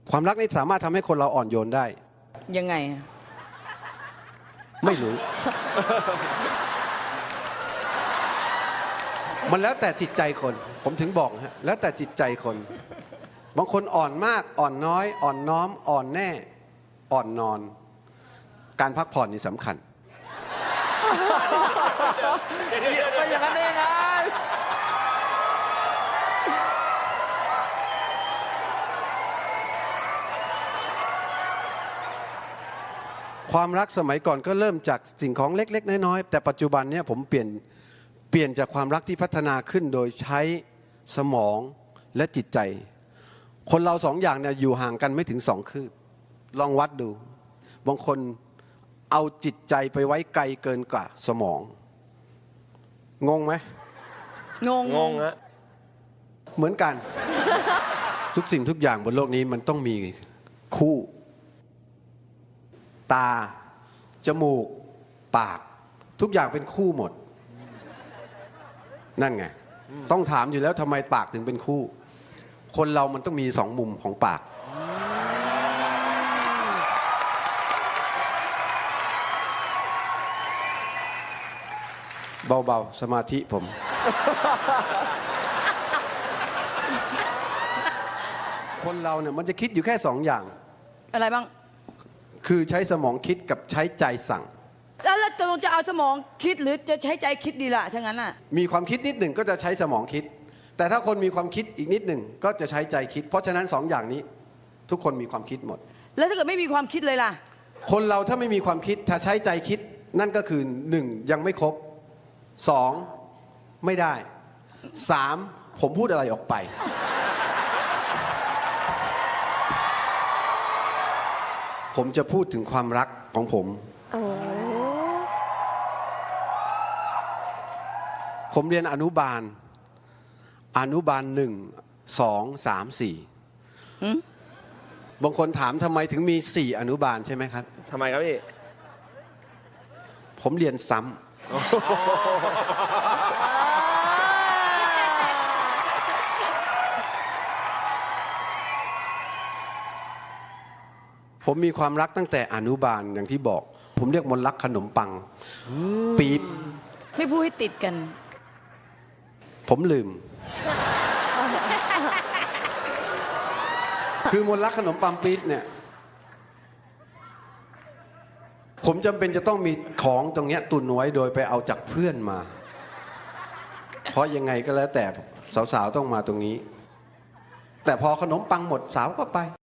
ความรักนี่สามารถทำให้คนเราอ่อนโยนได้ยังไงไม่รู้ มันแล้วแต่จิตใจคน ผมถึงบอกฮะแล้วแต่จิตใจคน บางคนอ่อนมากอ่อนน้อย อ่อนน้อม อ่อนแน่ อ่อนนอน การพักผ่อนนี่สำคัญไม่อย่างนั้นได้ยังไงความรักสมัยก่อนก็เริ่มจากสิ่งของเล็กๆน้อยๆแต่ปัจจุบันเนี่ยผมเปลี่ยนจากความรักที่พัฒนาขึ้นโดยใช้สมองและจิตใจ คนเราสองอย่างเนี่ยอยู่ห่างกันไม่ถึง2 คืบลองวัดดูบางคนเอาจิตใจไปไว้ไกลเกินกว่าสมองงงไหมงงฮะเหมือนกัน ทุกสิ่งทุกอย่างบนโลกนี้มันต้องมีคู่ตาจมูกปากทุกอย่างเป็นคู่หมดนั่นไงต้องถามอยู่แล้วทำไมปากถึงเป็นคู่คนเรามันต้องมี2 มุมของปากเบาๆสมาธิผม คนเราเนี่ยมันจะคิดอยู่แค่2 อย่างอะไรบ้างคือใช้สมองคิดกับใช้ใจสั่งแล้วจะเอาสมองคิดหรือจะใช้ใจคิดดีล่ะถ้างั้นน่ะมีความคิดนิดหนึ่งก็จะใช้สมองคิดแต่ถ้าคนมีความคิดอีกนิดหนึ่งก็จะใช้ใจคิดเพราะฉะนั้น2 อย่างนี้ทุกคนมีความคิดหมดแล้วถ้าเกิดไม่มีความคิดเลยล่ะคนเราถ้าไม่มีความคิดถ้าใช้ใจคิดนั่นก็คือ1ยังไม่ครบ2ไม่ได้3ผมพูดอะไรออกไปผมจะพูดถึงความรักของผมผมเรียนอนุบาล1 2 3 4บางคนถามทำไมถึงมี4อนุบาลใช่ไหมครับทำไมครับพี่ผมเรียนซ้ำผมมีความรักตั้งแต่อนุบาลอย่างที่บอกผมเรียกมนต์รักขนมปังปี๊บไม่พูดให้ติดกันผมลืม คือมนต์รักขนมปังปี๊บเนี่ยผมจำเป็นจะต้องมีของตรงเนี้ยตุนไว้โดยไปเอาจากเพื่อนมาเพราะยังไงก็แล้วแต่สาวๆต้องมาตรงนี้แต่พอขนมปังหมดสาวก็ไป